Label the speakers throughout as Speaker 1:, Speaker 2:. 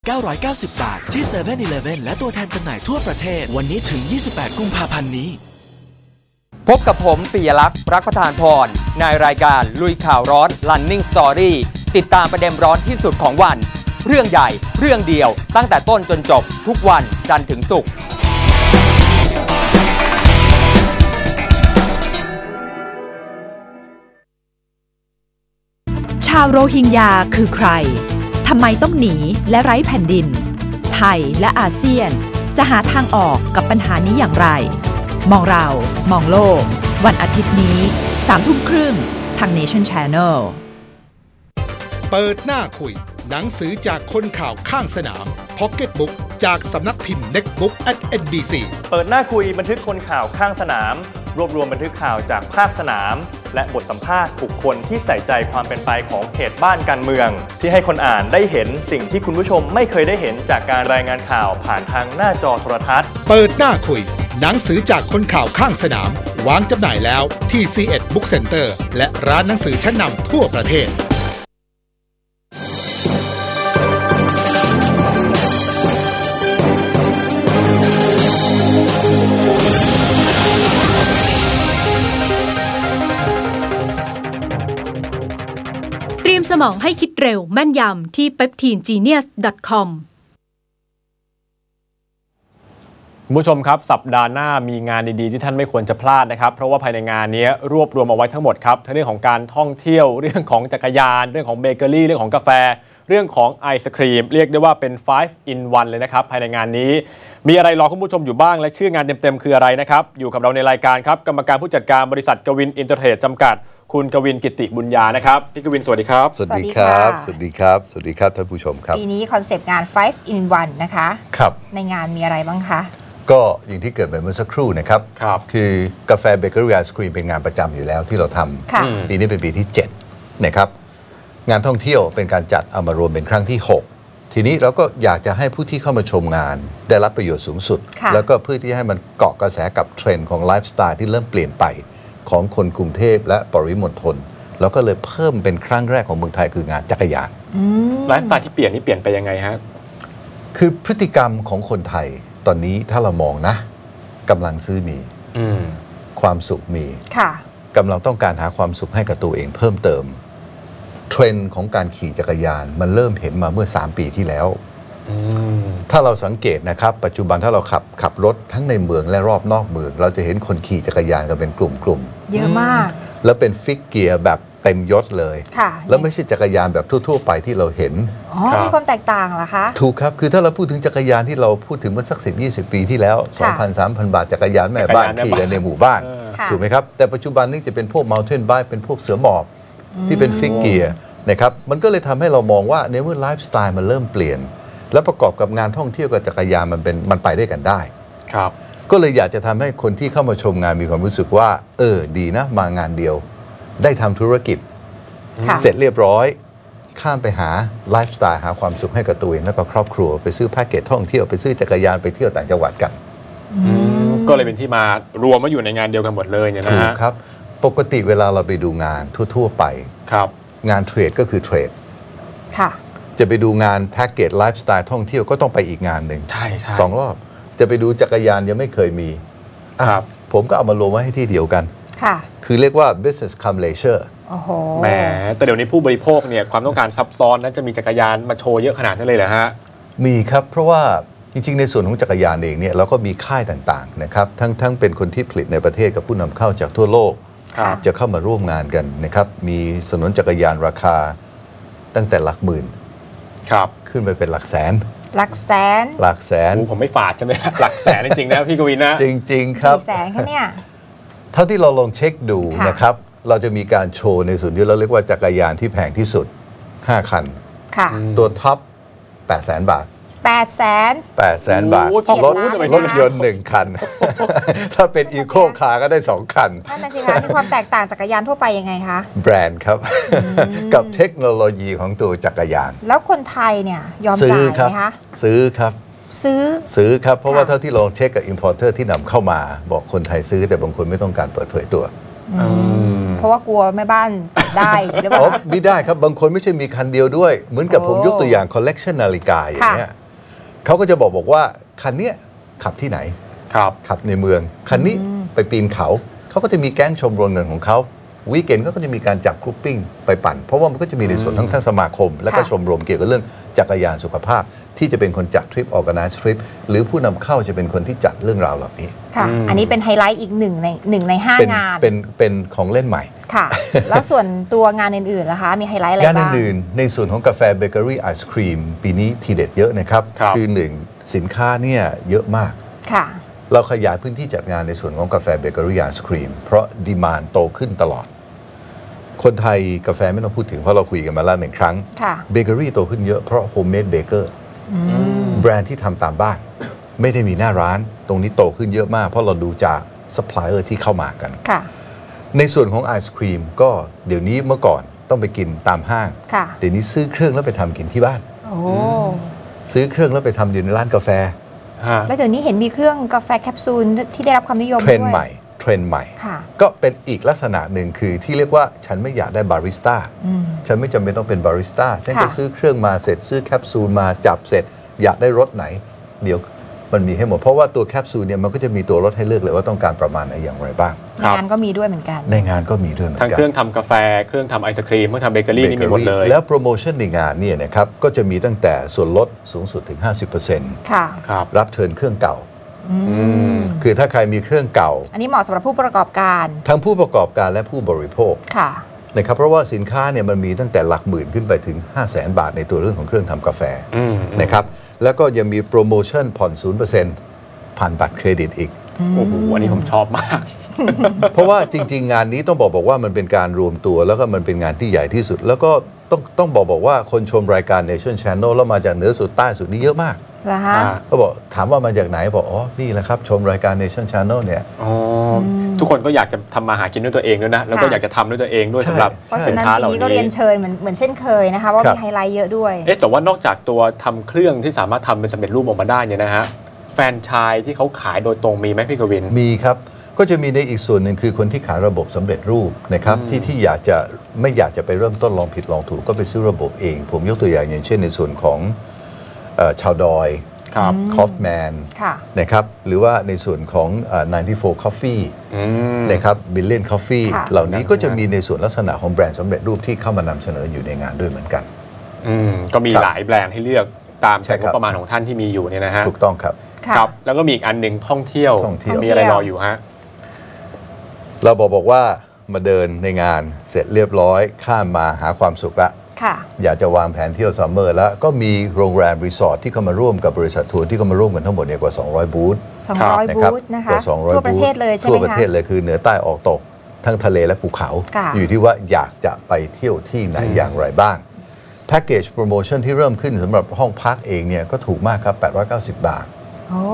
Speaker 1: 990 บาทที่ 7-Eleven และตัวแทนจำหน่ายทั่วประเทศวันนี้ถึง 28 กุมภาพันธ์นี้
Speaker 2: พบกับผมปิยลักษณ์รักประธานพรในรายการลุยข่าวร้อน Running Story ติดตามประเด็นร้อนที่สุดของวันเรื่องใหญ่เรื่องเดียวตั้งแต่ต้นจนจบทุกวันจันทร์ถึงศุกร์
Speaker 3: ชาวโรฮิงญาคือใครทำไมต้องหนีและไร้แผ่นดินไทยและอาเซียนจะหาทางออกกับปัญหานี้อย่างไรมองเรามองโลกวันอาทิตย์นี้ 3:30 น.ทาง Nation Channel
Speaker 4: เปิดหน้าคุยหนังสือจากคนข่าวข้างสนาม Pocket Book จากสำนักพิมพ์ Netbook @NBC
Speaker 5: เปิดหน้าคุยบันทึกคนข่าวข้างสนามรวบรวมบันทึกข่าวจากภาคสนามและบทสัมภาษณ์บุคคลที่ใส่ใจความเป็นไปของเหตุบ้านการเมืองที่ให้คนอ่านได้เห็นสิ่งที่คุณผู้ชมไม่เคยได้เห็นจากการรายงานข่าวผ่านทางหน้าจอโทรทัศน์
Speaker 4: เปิดหน้าคุยหนังสือจากคนข่าวข้างสนามวางจำหน่ายแล้วที่ C1 Book Center และร้านหนังสือชั้นนำทั่วประเทศ
Speaker 6: เตรียมสมองให้คิดเร็วแม่นยำที่ peptinegenius.com
Speaker 5: คุณผู้ชมครับสัปดาห์หน้ามีงานดีๆที่ท่านไม่ควรจะพลาดนะครับเพราะว่าภายในงานนี้รวบรวมเอาไว้ทั้งหมดครับทั้งเรื่องของการท่องเที่ยวเรื่องของจักรยานเรื่องของเบเกอรี่เรื่องของกาแฟเรื่องของไอศครีมเรียกได้ว่าเป็น 5 in 1 เลยนะครับภายในงานนี้มีอะไรรอคุณผู้ชมอยู่บ้างและชื่องานเต็มๆคืออะไรนะครับอยู่กับเราในรายการครับกรรมการผู้จัดการบริษัทกวินอินเตอร์เทรดจำกัดคุณกวินกิติบุญญานะครับพี่กวินสวัสดีครับ
Speaker 7: สวัสดีครับสวัสดีครับสวัสดีครับท่านผู้ชมครับ
Speaker 8: ปีนี้คอนเซปต์งาน 5 in 1 นะคะ
Speaker 7: ครับ
Speaker 8: ในงานมีอะไรบ้างคะ
Speaker 7: ก็อย่างที่เกิดไปเมื่อสักครู่นะครับคือกาแฟเบเกอรี่ไอศครีมเป็นงานประจำอยู่แล้วที่เราทำปีนี้เป็นปีที่7นะครับงานท่องเที่ยวเป็นการจัดเอามารวมเป็นครั้งที่6ทีนี้เราก็อยากจะให้ผู้ที่เข้ามาชมงานได้รับประโยชน์สูงสุดแล้วก็เพื่อที่ให้มันเกาะกระแสกับเทรนด์ของไลฟ์สไตล์ที่เริ่มเปลี่ยนไปของคนกรุงเทพและปริมณฑลแล้วก็เลยเพิ่มเป็นครั้งแรกของเมืองไทยคืองานจักรยาน
Speaker 5: ไลฟ์สไตล์ที่เปลี่ยนนี่เปลี่ยนไปยังไงฮะ
Speaker 7: คือพฤติกรรมของคนไทยตอนนี้ถ้าเรามองนะกำลังซื้อมีความสุขมีกำลังต้องการหาความสุขให้กับตัวเองเพิ่มเติมเทรนด์ของการขี่จักรยานมันเริ่มเห็นมาเมื่อ3 ปีที่แล้วถ้าเราสังเกตนะครับปัจจุบันถ้าเราขับรถทั้งในเมืองและรอบนอกเมืองเราจะเห็นคนขี่จักรยานกันเป็นกลุ่ม
Speaker 8: เยอะมาก
Speaker 7: แล้วเป็นฟิกเกียร์แบบเต็มยศเลยแล้วไม่ใช่จักรยานแบบทั่วๆไปที่เราเห็น
Speaker 8: มีความแตกต่างเหรอคะ
Speaker 7: ถูกครับคือถ้าเราพูดถึงจักรยานที่เราพูดถึงเมื่อสัก10-20 ปีที่แล้ว 2,000-3,000 บาทจักรยานแม่บ้านขี่กันในหมู่บ้านถูกไหมครับแต่ปัจจุบันนี้จะเป็นพวก mountain bike เป็นพวกเสือหมอบที่เป็นฟิกเกียร์นะครับมันก็เลยทำให้เรามองว่าในเมื่อไลฟ์สไตล์มันเริ่มเปลี่ยนแล้วประกอบกับงานท่องเที่ยวกับจักรยานมันไปได้กันได้
Speaker 5: ครับ
Speaker 7: ก็เลยอยากจะทำให้คนที่เข้ามาชมงานมีความรู้สึกว่าดีนะมางานเดียวได้ทำธุรกิจเสร็จเรียบร้อยข้ามไปหาไลฟ์สไตล์หาความสุขให้กับตัวเองและกับครอบครัวไปซื้อแพ็กเกจท่องเที่ยวไปซื้อจักรยานไปเที่ยวต่างจังหวัดกัน
Speaker 5: ก็เลยเป็นที่มารวมมาอยู่ในงานเดียวกันหมดเลยเนี่ยนะฮะ
Speaker 7: ถูกครับปกติเวลาเราไปดูงานทั่วๆไป
Speaker 5: ครับ
Speaker 7: งานเทรดก็คือเทรด
Speaker 8: ค่ะ
Speaker 7: จะไปดูงานแพ็กเกจไลฟ์สไตล์ท่องเที่ยวก็ต้องไปอีกงานหนึ่ง
Speaker 5: ใช่
Speaker 7: 2 รอบจะไปดูจักรยานยังไม่เคยมี
Speaker 5: ครับ
Speaker 7: ผมก็เอามารวมไว้ให้ที่เดียวกัน
Speaker 8: ค่ะ
Speaker 7: คือเรียกว่า business come leisure
Speaker 8: โอ้โห
Speaker 5: แหมแต่เดี๋ยวนี้ผู้บริโภคเนี่ยความต้องการซับซ้อนนั้นจะมีจักรยานมาโชว์เยอะขนาดนั้นเลยเหรอฮะ
Speaker 7: มีครับเพราะว่าจริงๆในส่วนของจักรยานเองเนี่ยเราก็มีค่ายต่างๆนะครับทั้งเป็นคนที่ผลิตในประเทศกับผู้นำเข้าจากทั่วโลกจะเข้ามาร่วมงานกันนะครับมีสนุนจักรยานราคาตั้งแต่หลักหมื่น
Speaker 5: ครับ
Speaker 7: ขึ้นไปเป็นหลักแสน
Speaker 8: หลักแสน
Speaker 5: ผมไม่ฝาดใช่ไหมหลักแสนจริงๆนะพี่กวินนะ
Speaker 7: จริงๆครับ
Speaker 8: กี่แสนคะเนี่ย
Speaker 7: เท่าที่เราลองเช็คดูนะครับเราจะมีการโชว์ในส่วนที่เราเรียกว่าจักรยานที่แพงที่สุด5 คันตัวท็อป 800,000 บาท800,000 บาทรถยนต์1 คันถ้าเป็นอีโคคาร์ก็ได้2 คัน
Speaker 8: นั่นน่ะสิคะมีความแตกต่างจักรยานทั่วไปยังไงคะ
Speaker 7: แบรนด์ครับกับเทคโนโลยีของตัวจักรยาน
Speaker 8: แล้วคนไทยเนี่ยยอมจ่ายไหมคะ
Speaker 7: ซื้อครับซื้อครับเพราะว่าเท่าที่ลองเช็คกับ importer ที่นำเข้ามาบอกคนไทยซื้อแต่บางคนไม่ต้องการเปิดเผยตัว
Speaker 8: เพราะว่ากลัวแม่บ้านได้หรือเปล่า
Speaker 7: ไม่ได้ครับบางคนไม่ใช่มีคันเดียวด้วยเหมือนกับผมยกตัวอย่างคอลเลกชันนาฬิกาอย่างเงี้ยเขาก็จะบอกว่าคันนี้ขับที่ไหนขับในเมืองคันนี้ไปปีนเขาก็จะมีแก๊งชมรมเงินของเขาวีคเอนก็จะมีการจับกรุ๊ปปิ้งไปปั่นเพราะว่ามันก็จะมีในส่วนทั้งสมาคมและก็ชมรมเกี่ยวกับเรื่องจักรยานสุขภาพที่จะเป็นคนจัดทริป organize ทริปหรือผู้นำเข้าจะเป็นคนที่จัดเรื่องราวเหล่านี้
Speaker 8: ค่ะอันนี้เป็นไฮไลท์อีกหนึ่งใน5 งาน
Speaker 7: เป็นของเล่นใหม่
Speaker 8: ค่ะ แล้วส่วนตัวงานอื่นๆล่ะคะมีไฮไลท์อะไรบ้าง
Speaker 7: งานอื่นๆในส่วนของกาแฟเบเกอรี่ไอศครีมปีนี้ทีเด็ดเยอะนะครับคือ1สินค้าเนี่ยเยอะมาก
Speaker 8: ค่ะ
Speaker 7: เราขยายพื้นที่จัดงานในส่วนของกาแฟเบเกอรี่ไอศครีมเพราะดีมานด์โตขึ้นตลอดคนไทยกาแฟไม่ต้องพูดถึงเพราะเราคุยกันมาแล้ว1 ครั้งเบเกอรี่โตขึ้นเยอะเพราะโฮมเมดเบเกอร์แบรนด์ที่ทำตามบ้านไม่ได้มีหน้าร้านตรงนี้โตขึ้นเยอะมากเพราะเราดูจากซัพพลายเออร์ที่เข้ามากันในส่วนของไอศครีมก็เดี๋ยวนี้เมื่อก่อนต้องไปกินตามห้างเดี๋ยวนี้ซื้อเครื่องแล้วไปทำกินที่บ้านซื้อเครื่องแล้วไปทำอยู่ในร้านกาแฟ
Speaker 8: แล้วเดี๋ยวนี้เห็นมีเครื่องกาแฟแคปซูลที่ได้รับความนิยมด้วย
Speaker 7: เทรนด์ใหม่ก็เป็นอีกลักษณะหนึ่งคือที่เรียกว่าฉันไม่อยากได้บาริสต้าฉันไม่จำเป็นต้องเป็นบาริสต้าฉันจะซื้อเครื่องมาเสร็จซื้อแคปซูลมาจับเสร็จอยากได้รสไหนเดี๋ยวมันมีให้หมดเพราะว่าตัวแคปซูลเนี่ยมันก็จะมีตัวรสให้เลือกเลยว่าต้องการประมาณไหนอย่างไรบ้าง
Speaker 8: ในงานก็มีด้วยเหมือนกัน
Speaker 7: ในงานก็มีด้วยเหมือนกัน
Speaker 5: ทั้งเครื่องทำกาแฟเครื่องทำไอศครีมเครื่องทำเบเกอรี่นี่มีหมดเลย
Speaker 7: แล้วโปรโมชั่นในงานเนี่ยนะครับก็จะมีตั้งแต่ส่วนลดสูงสุดถึง 50%
Speaker 8: ค่ะ
Speaker 7: รับเทิร์นเครื่องเก่าคือถ้าใครมีเครื่องเก่า
Speaker 8: อันนี้เหมาะสำหรับผู้ประกอบการ
Speaker 7: ทั้งผู้ประกอบการและผู้บริโภคนะครับเพราะว่าสินค้าเนี่ยมันมีตั้งแต่หลักหมื่นขึ้นไปถึง 500,000 บาทในตัวเรื่องของเครื่องทำกาแฟนะครับแล้วก็ยังมีโปรโมชั่นผ่อน 0% ผ่านบัตรเครดิตอีก
Speaker 5: โอ้โหอันนี้ผมชอบมาก
Speaker 7: เพราะว่าจริงๆงานนี้ต้องบอกว่ามันเป็นการรวมตัวแล้วก็มันเป็นงานที่ใหญ่ที่สุดแล้วก็ต้องบอกว่าคนชมรายการ Nation Channel แล้วมาจากเหนือสุดใต้สุดนี่เยอะมากเขาบอกถามว่ามาจากไหนบอกอ๋อนี่แหละครับชมรายการ Nation Channel เนี่ย
Speaker 5: ทุกคนก็อยากจะทำมาหากินด้วยตัวเองด้วยนะแล้วก็อยากจะทำด้วยตัวเองด้วยสำหรับสินค้าเหล่านี้
Speaker 8: ปีนี้ก็เรียนเชิญเหมือนเช่นเคยนะคะว่ามีไฮไลท์เยอะด้วย
Speaker 5: แต่ว่านอกจากตัวทำเครื่องที่สามารถทำเป็นสำเร็จรูปออกมาได้เนี่ยนะฮะแฟรนไชส์ที่เขาขายโดยตรงมีไหมพี่กวิน
Speaker 7: มีครับก็จะมีในอีกส่วนหนึ่งคือคนที่ขายระบบสำเร็จรูปนะครับที่ไม่อยากจะไปเริ่มต้นลองผิดลองถูกก็ไปซื้อระบบเองผมยกตัวอย่างเช่นในส่วนของชาวดอยคอฟแมนนะครับหรือว่าในส่วนของ94 Coffee นะครับ Billion Coffee เหล่านี้ก็จะมีในส่วนลักษณะของแบรนด์สำเร็จรูปที่เข้ามานำเสนออยู่ในงานด้วยเหมือนกัน
Speaker 5: ก็มีหลายแบรนด์ให้เลือกตามงบประมาณของท่านที่มีอยู่เนี่ยนะฮะ
Speaker 7: ถูกต้องครับ
Speaker 5: ครับแล้วก็มีอีกอันหนึ่งท่องเที่ยวมีอะไรรออยู่ฮะ
Speaker 7: เราบอกว่ามาเดินในงานเสร็จเรียบร้อยข้ามมาหาความสุขละอยากจะวางแผนเที่ยวซัมเมอร์แล้วก็มีโรงแรมรีสอร์ทที่เข้ามาร่วมกับบริษัททัวร์ที่เข้ามาร่วมกันทั้งหมดเนี่ยกว่า200บูธ
Speaker 8: 200บูธนะคะทั่วประเทศเลยใช่ไหมคะ
Speaker 7: ทั่วประเทศเลยคือเหนือใต้ออกตกทั้งทะเลและภูเขาอยู่ที่ว่าอยากจะไปเที่ยวที่ไหนอย่างไรบ้างแพ็กเกจโปรโมชั่นที่เริ่มขึ้นสำหรับห้องพักเองเนี่ยก็ถูกมากครับ890 บาท
Speaker 8: โอ้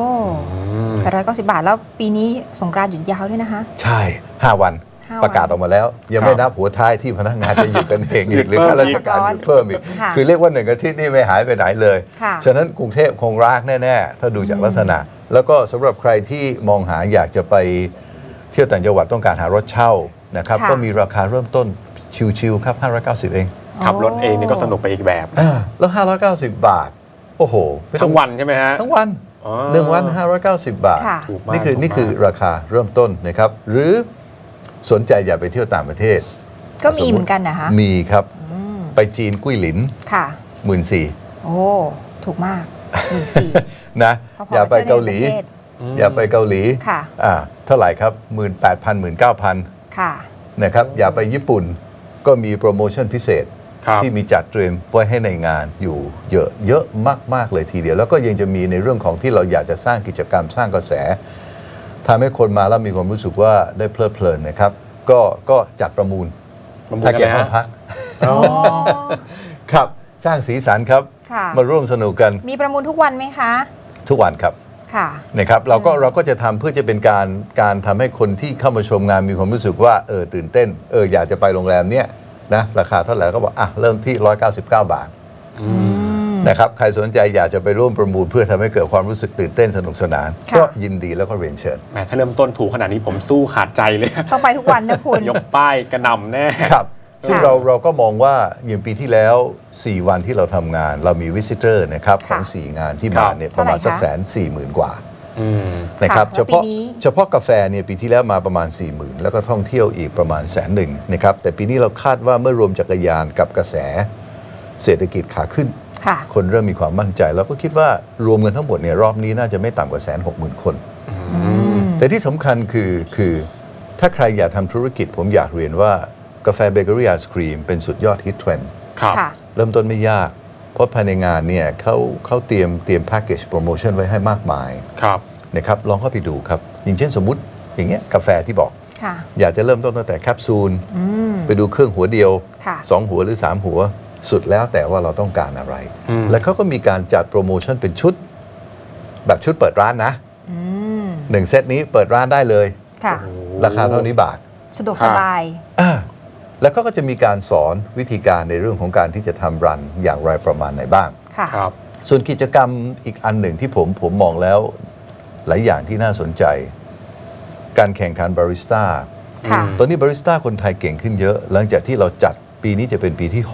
Speaker 8: 890 บาทแล้วปีนี้สงกรานต์หยุดยาวด้วยนะคะ
Speaker 7: ใช่5 วันประกาศออกมาแล้วยังไม่นับหัวท้ายที่พนักงานจะหยุดกันเองอีกหรือข้าราชการหยุดเพิ่มอีกคือเรียกว่า1 อาทิตย์นี่ไม่หายไปไหนเลยฉะนั้นกรุงเทพคงรากแน่ๆถ้าดูจากลักษณะแล้วก็สำหรับใครที่มองหาอยากจะไปเที่ยวต่างจังหวัดต้องการหารถเช่านะครับก็มีราคาเริ่มต้นชิวๆครับ590เอง
Speaker 5: ขับรถเองนี่ก็สนุกไปอีกแบบ
Speaker 7: แล้ว590 บาทโอ้โห
Speaker 5: ทั้งวันใช่ไหมฮะ
Speaker 7: ทั้งวัน1 วัน590 บาทนี่คือราคาเริ่มต้นนะครับหรือสนใจอยากไปเที่ยวต่างประเทศ
Speaker 8: ก็มีเหมือนกันนะคะ
Speaker 7: มีครับไปจีนกุ้ยหลิน
Speaker 8: ค่ะ
Speaker 7: 14,000
Speaker 8: โอ้ถูกมาก14,000
Speaker 7: นะอย่าไปเกาหลีอย่าไปเกาหลีเท่าไหร่ครับ 18,000 19,000
Speaker 8: ค่ะ
Speaker 7: นะครับอย่าไปญี่ปุ่นก็มีโปรโมชั่นพิเศษที่มีจัดเตรียมไว้ให้ในงานอยู่เยอะมากๆเลยทีเดียวแล้วก็ยังจะมีในเรื่องของที่เราอยากจะสร้างกิจกรรมสร้างกระแสทำให้คนมาแล้วมีความรู้สึกว่าได้เพลิดเพลินนะครับก็จัดประมูลแพ็กเกจห้องพักครับสร้างสีสันครับมาร่วมสนุกกัน
Speaker 8: มีประมูลทุกวันไหมคะ
Speaker 7: ทุกวันครับนะครับเราก็จะทำเพื่อจะเป็นการทำให้คนที่เข้ามาชมงานมีความรู้สึกว่าตื่นเต้นอยากจะไปโรงแรมเนี้ยนะราคาเท่าไหร่ก็บอกเริ่มที่199 บาทนะครับใครสนใจอยากจะไปร่วมประมูลเพื่อทำให้เกิดความรู้สึกตื่นเต้นสนุกสนานก็ยินดีแล้วก็เรียนเชิญ
Speaker 5: แหมถ้าเริ่มต้นถูกขนาดนี้ผมสู้ขาดใจเลย
Speaker 8: ต้องไปทุกวันนะคุณ
Speaker 5: ยกป้ายกระหน่ำแน่
Speaker 7: ครับซึ่งเราก็มองว่าอย่างปีที่แล้ว4วันที่เราทำงานเรามีวิสิเตอร์นะครับของ4งานที่มาเนี่ยประมาณสัก140,000 กว่านะครับเฉพาะกาแฟเนี่ยปีที่แล้วมาประมาณ 40,000 แล้วก็ท่องเที่ยวอีกประมาณ100,000นะครับแต่ปีนี้เราคาดว่าเมื่อรวมจักรยานกับกระแสเศรษฐกิจขาขึ้นคนเริ่มมีความมั่นใจแล้วก็คิดว่ารวมกันทั้งหมดเนี่ยรอบนี้น่าจะไม่ต่ำกว่า160,000 คนแต่ที่สำคัญคือถ้าใครอยากทำธุรกิจผมอยากเรียนว่ากาแฟเบเกอรี่ไอศครีมเป็นสุดยอดฮิตเทรนด์เริ่มต้นไม่ยากเพราะภายในงานเนี่ยเขาเตรียมแพ็กเกจโปรโมชั่นไว้ให้มากมายนะครับลองเข้าไปดูครับอย่างเช่นสมมุติอย่างเงี้ยกาแฟที่บอกอยากจะเริ่มต้นตั้งแต่แคปซูลไปดูเครื่องหัวเดียว2 หัวหรือ3 หัวสุดแล้วแต่ว่าเราต้องการอะไรแล้วเขาก็มีการจัดโปรโมชั่นเป็นชุดแบบชุดเปิดร้านนะ1 เซตนี้เปิดร้านได้เลยราคาเท่านี้บาท
Speaker 8: สะดวกสบาย
Speaker 7: แล้วก็จะมีการสอนวิธีการในเรื่องของการที่จะทำรันอย่างไรประมาณไหนบ้างส่วนกิจกรรมอีกอันหนึ่งที่ผมมองแล้วหลายอย่างที่น่าสนใจการแข่งขันบาริสต้าตอนนี้บาริสต้าคนไทยเก่งขึ้นเยอะหลังจากที่เราจัดปีนี้จะเป็นปีที่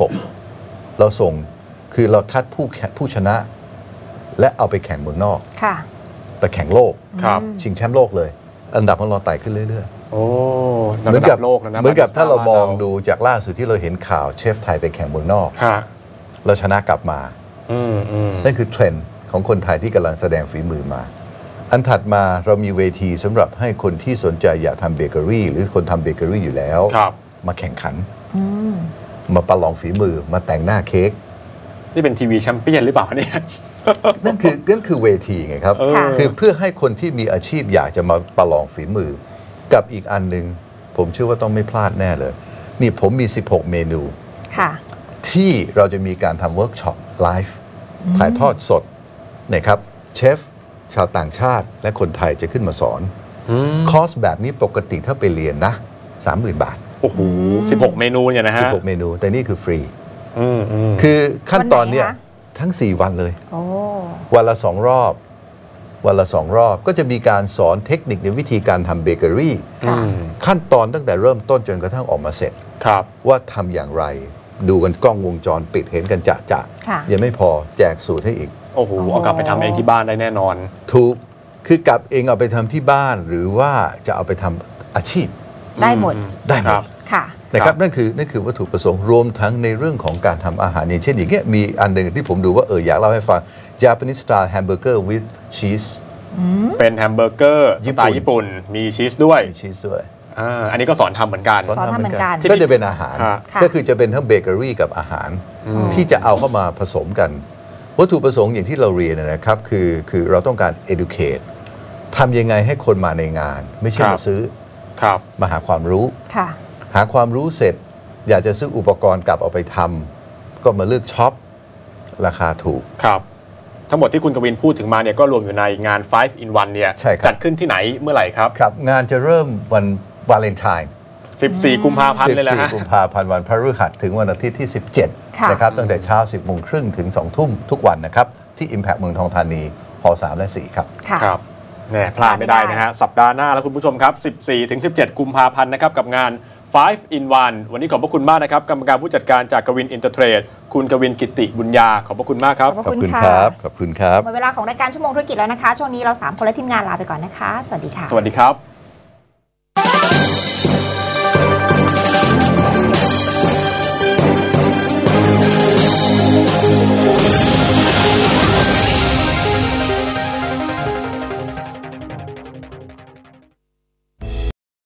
Speaker 7: 6เราส่งคือเราคัดผู้ชนะและเอาไปแข่งเมืองนอกไปแข่งโลกชิงแชมป์โลกเลยอันดับของเราไต่ขึ้นเรื่อยๆเหมือนกับถ้าเรามองดูจากล่าสุดที่เราเห็นข่าวเชฟไทยไปแข่งเมืองนอกเราชนะกลับมานั่นคือเทรนด์ของคนไทยที่กำลังแสดงฝีมือมาอันถัดมาเรามีเวทีสำหรับให้คนที่สนใจอยากทำเบเกอรี่หรือคนทำเบเกอรี่อยู่แล้วมาแข่งขันมาประลองฝีมือมาแต่งหน้าเค้ก
Speaker 5: นี่เป็นทีวีแชมเปี้ยนหรือเปล่าเนี่ย
Speaker 7: นั่นคือเวทีไงครับคือเพื่อให้คนที่มีอาชีพอยากจะมาประลองฝีมือกับอีกอันหนึ่งผมเชื่อว่าต้องไม่พลาดแน่เลยนี่ผมมี16 เมนูที่เราจะมีการทำเวิร์กช็อปไลฟ์ถ่ายทอดสดนะครับเชฟชาวต่างชาติและคนไทยจะขึ้นมาสอนคอร์สแบบนี้ปกติถ้าไปเรียนนะ 30,000 บาท
Speaker 5: โอ้โห16 เมนูเนี่ยนะฮะ
Speaker 7: 16 เมนูแต่นี่คือฟรีคือขั้นตอนเนี่ยทั้ง4 วันเลยวันละ2 รอบก็จะมีการสอนเทคนิคในวิธีการทำเบเกอรี่ขั้นตอนตั้งแต่เริ่มต้นจนกระทั่งออกมาเสร็จว่าทำอย่างไรดูกันกล้องวงจรปิดเห็นกันจะยังไม่พอแจกสูตรให้อีก
Speaker 5: โอ้โหเอากลับไปทำเองที่บ้านได้แน่นอน
Speaker 7: ถูกคือกลับเองเอาไปทำที่บ้านหรือว่าจะเอาไปทำอาชีพ
Speaker 8: ได้หมด
Speaker 7: ค่ะนะครับนั่นคือวัตถุประสงค์รวมทั้งในเรื่องของการทำอาหารอย่างเช่นอย่างเงี้ยมีอันหนึ่งที่ผมดูว่าอยากเล่าให้ฟัง Japanese style hamburger with cheese
Speaker 5: เป็นแฮมเบอร์เกอร์สไตล์ญี่ปุ่นมีชีสด้วยอันนี้ก็สอนทำเหมือนกัน
Speaker 7: ก็จะเป็นอาหารก็คือจะเป็นทั้งเบเกอรี่กับอาหารที่จะเอาเข้ามาผสมกันวัตถุประสงค์อย่างที่เราเรียนนะครับคือเราต้องการ educate ทำยังไงให้คนมาในงานไม่ใช่มาซื้อมาหาความรู้หาความรู้เสร็จอยากจะซื้ออุปกรณ์กลับเอาไปทำก็มาเลือกช็อปราคาถูก
Speaker 5: ทั้งหมดที่คุณกวินพูดถึงมาเนี่ยก็รวมอยู่ในงาน 5 in 1 เนี่ยจัดขึ้นที่ไหนเมื่อไหร่ครับ
Speaker 7: งานจะเริ่มวันวาเลนไทน์
Speaker 5: 14 กุมภาพันธ์เลยแหละฮะ
Speaker 7: 14 กุมภาพันธ์วันพฤหัสถึงวันอาทิตย์ที่17นะครับตั้งแต่เช้า 10 โมงครึ่งถึง 2 ทุ่มทุกวันนะครับที่ Impact เมืองทองธานีห3 และ 4ครับ
Speaker 5: เนี่ยพลาดไม่ได้นะฮะสัปดาห์หน้าแล้วคุณผู้ชมครับ14 ถึง 17 กุมภาพันธ์นะครับกับงาน5 in 1 วันนี้ขอบพระคุณมากนะครับกรรมการผู้จัดการจากกวินอินเตอร์เทรดคุณกวินกิติบุญญาขอบพระคุณมากครับ
Speaker 7: ขอบคุณครับขอบคุณครับ
Speaker 8: หมดเวลาของรายการชั่วโมงธุรกิจแล้วนะคะช่วงนี้เรา3 คนและทีมงานลาไปก่อนนะคะสวัสดีค่ะ
Speaker 5: สวัสดีครับ